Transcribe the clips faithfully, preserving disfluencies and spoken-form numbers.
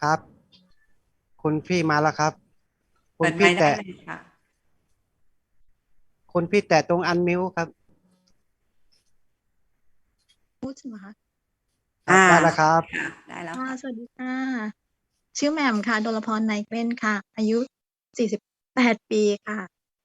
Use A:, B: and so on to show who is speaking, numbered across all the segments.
A: ครับคุณพี่มาแล้วครับคุ
B: เปิดไมค์ได้
A: ณพี่แตะ
B: เลยค่ะ
A: คุณพี่แตะตรงอันมิวครับ
C: พูดใช่ไหมคะ
A: ครับ
B: อ่า
A: ได้แล้วครับ
B: ค่ะได้แล้ว
C: ค่ะ
B: ค่ะ
C: สวัสดีค่ะชื่อแหม่มค่ะดลพรไนเกล้นค่ะอายุสี่สิบแปดปีค่ะ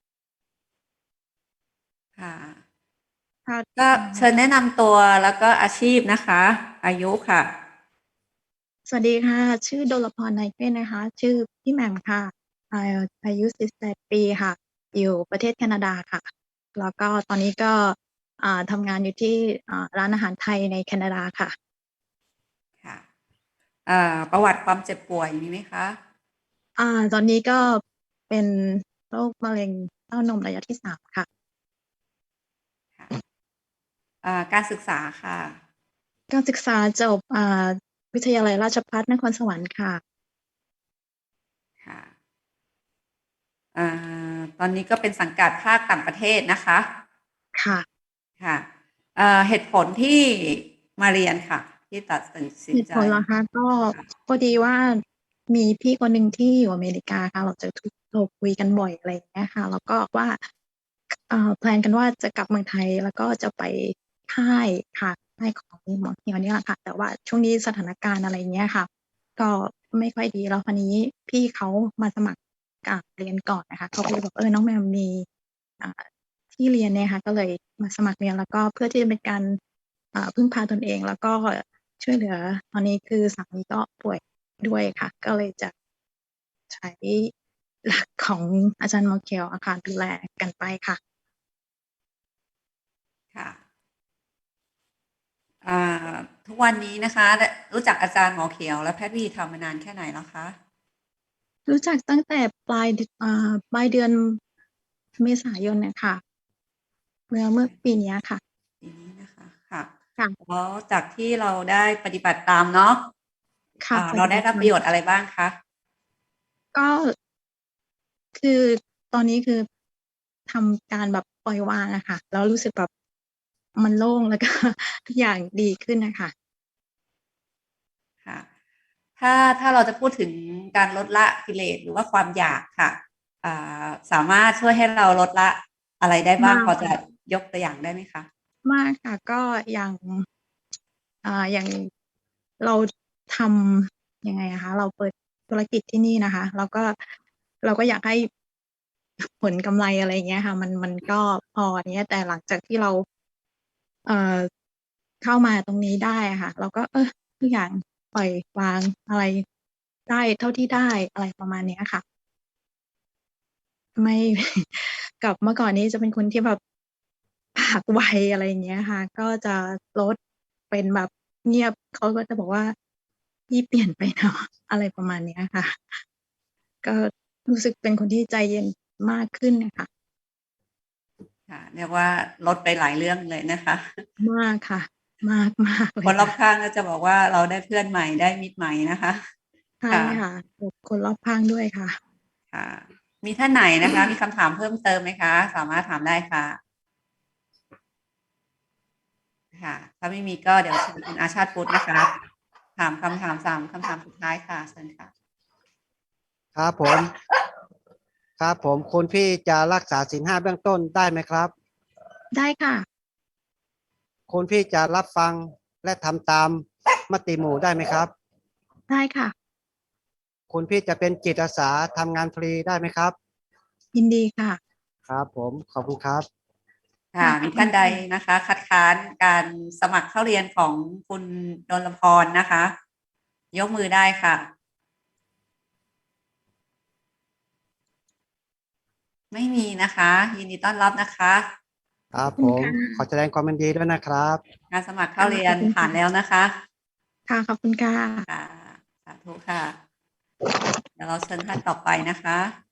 B: ค่ะ
C: ค่ะ
B: ก็
C: อ่า
B: เชิญแนะนำตัวแล้วก็อาชีพนะคะอายุค่ะ
C: สวัสดีค่ะชื่อดลพรไนเกล้นนะคะชื่อพี่แหม่มค่ะอาอายุสี่สิบแปดปีค่ะอยู่ประเทศแคนาดาค่ะแล้วก็ตอนนี้ก็อ่าทำงานอยู่ที่อ่าร้านอาหารไทยในแคนาดาค่ะ
B: ค่ะอ่าประวัติความเจ็บป่วยมีไหมคะ
C: อ่าตอนนี้ก็เป็นโรคมะเร็งเต้านมระยะที่สามค่ะ
B: ค่ะอ่าการศึกษาค่ะ
C: การศึกษาจบอ่าวิทยาลัยราชภัฏนครสวรรค์ค่ะ
B: ค่ะอ่าตอนนี้ก็เป็นสังกัดภาคต่างประเทศนะคะ
C: ค่ะ
B: ค่ะอ่าเหตุผลที่มาเรียนค่ะที่ตัดสินใจ
C: เหตุผลเหรอคะก็พอดีว่ามีพี่คนหนึ่งที่อยู่อเมริกาค่ะเราจะทุกเราคุยกันบ่อยอะไรอย่างเงี้ยค่ะแล้วก็ว่าเอ่อแพลนกันว่าจะกลับเมืองไทยแล้วก็จะไปค่ายค่ะค่ายของหมอเหี่ยวเนี่ยแหละค่ะแต่ว่าช่วงนี้สถานการณ์อะไรอย่างเงี้ยค่ะก็ไม่ค่อยดีแล้วคราวนี้พี่เขามาสมัครกะเรียนก่อนนะคะเขาก็เลยบอกเออน้องแมวมีอ่าที่เรียนเนี่ยค่ะก็เลยมาสมัครเรียนแล้วก็เพื่อที่จะเป็นการอ่าพึ่งพาตนเองแล้วก็ ช่วยเหลือตอนนี้คือสามีก็ป่วยด้วยค่ะก็เลยจะใช้หลักของอาจารย์ Markel อะค่ะดูแลกันไปค่ะ
B: ค่ะอ่าทุกวันนี้นะคะได้รู้จักอาจารย์หมอเขียวและแพทย์วีทำมานานแค่ไหนแล้วคะ
C: รู้จักตั้งแต่ปลายดอ่าปลายเดือนเมษายนน่ะค่ะเมื่อเมื่อปีเนี้ยค่ะ
B: ปีนี้นะคะค่ะ
C: ค่ะ
B: แล้วจากที่เราได้ปฏิบัติตามเนาะ
C: ค่ะ
B: อ่าเราได้
C: ปฏิบัติธรรม
B: รับประโยชน์อะไรบ้างคะ
C: ก็คือตอนนี้คือทำการแบบปล่อยวางอะค่ะแล้วรู้สึกแบบมันโล่งแล้วก็ทุกอย่างดีขึ้นน่ะค่ะ
B: ค่ะถ้าถ้าเราจะพูดถึงการลดละกิเลสหรือว่าความอยากค่ะอ่าสามารถช่วยให้เราลดละอะไรได้บ้างพอจะ
C: มากค่ะ
B: ยกตัวอย่างได้ไหมคะ
C: มากค่ะก็อย่างอ่าอย่างเราทำยังไงอะคะเราเปิดธุรกิจที่นี่นะคะแล้วก็เราก็อยากให้ผลกำไรอะไรอย่างเงี้ยค่ะมันมันก็พออย่างเงี้ยแต่หลังจากที่เราเอ่อเข้ามาตรงนี้ได้อะค่ะเราก็เออทุกอย่างปล่อยวางอะไรได้เท่าที่ได้อะไรประมาณเนี้ยค่ะ ไม่กับเมื่อก่อนนี้จะเป็นคนที่แบบปากไวอะไรอย่างเงี้ยค่ะก็จะลดเป็นแบบเงียบเขาก็จะบอกว่าพี่เปลี่ยนไปเนาะอะไรประมาณเนี้ยค่ะก็รู้สึกเป็นคนที่ใจเย็นมากขึ้นน่ะค่ะ
B: ค่ะเรียกว่าลดไปหลายเรื่องเลยนะคะ
C: มากค่ะมากๆ
B: ค
C: เลยค่ะ
B: นรอบข้างก็จะบอกว่าเราได้เพื่อนใหม่ได้มิตรใหม่นะคะ
C: ใช่
B: ค่ะ
C: ค่ะกับคนรอบข้างด้วยค่ะ
B: ค่ะมีท่านไหนนะคะมีคำถามเพิ่มเติมไหมคะสามารถถามได้ค่ะค่ะถ้าไม่มีก็เดี๋ยวเชิญคุณอาชาติพุทธนะคะถามคำถามสามคำถามสุดท้ายค่ะเชิญค่ะ
A: ครับผมครับผมคุณพี่จะรักษาศีลห้าเบื้องต้นได้ไหมครับ
C: ได้ค่ะ
A: คุณพี่จะรับฟังและทำตามมติหมู่ได้ไหมครับ
C: ได้ค่ะ
A: คุณพี่จะเป็นจิตอาสาทำงานฟรีได้ไหมครับ
C: ยินดีค่ะ
A: ครับผมขอบคุณครับ
B: ค่ะ
C: ค่ะขอบคุ
B: มีท่านใด
C: ณค่ะ
B: นะคะคัดค้านการสมัครเข้าเรียนของคุณดลพรนะคะยกมือได้ค่ะไม่มีนะคะยินดีต้อนรับนะคะ
A: ครั
C: ขอบ
A: ผม
C: คุณค่ะ
A: ขอแสดงความยินดีด้วยนะครับ
B: การสมัครเข้า
C: ค่ะ
B: เรียน
C: ขอบคุณ
B: ผ่านแล้ว
C: ค่ะ
B: นะคะ
C: ค่ะขอบคุณค่ะ
B: ค่ะสาธุค่ะเดี๋ยวเราเชิญท่านต่อไปนะคะ